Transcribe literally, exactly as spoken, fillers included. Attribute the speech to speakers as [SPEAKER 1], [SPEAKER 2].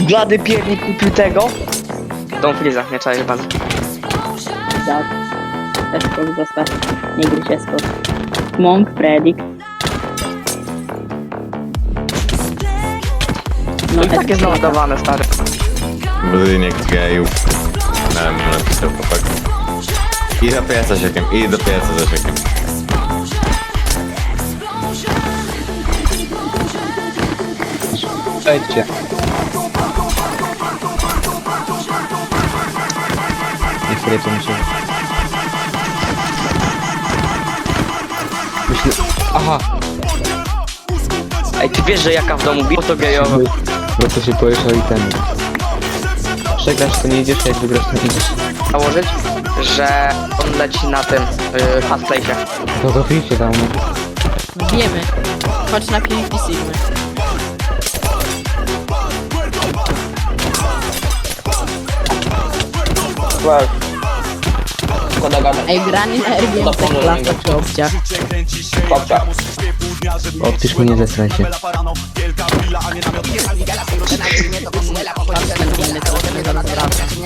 [SPEAKER 1] Blady piernik kupił tego?
[SPEAKER 2] Tą Freeza, nie czaisz pan.
[SPEAKER 3] Tak. Eskok zostaw. Nie gryź Eskok. Monk, Predict.
[SPEAKER 2] No i tak jest naładowane, stary.
[SPEAKER 4] Budynek gejów. Na mnie napisał chłopak. I do pieca siekiem, i do pieca za siekiem.
[SPEAKER 5] Przejdźcie. Nie chwilę to muszę... Myślę... Aha!
[SPEAKER 2] Ej, ty wiesz, że jaka w domu biło to gejowo.
[SPEAKER 5] Bo to się boisz o itemy. Przegrasz to nie idziesz, jak wygrasz to idziesz.
[SPEAKER 2] Założyć, że on leci na tym yy, fast place'ie.
[SPEAKER 5] To go wyjście dał, no.
[SPEAKER 6] Wiemy. Chodź na PvP Sigmy. Ej, granie na R G M to klasa czy obciach.
[SPEAKER 5] Odpisz mnie, zesraj się.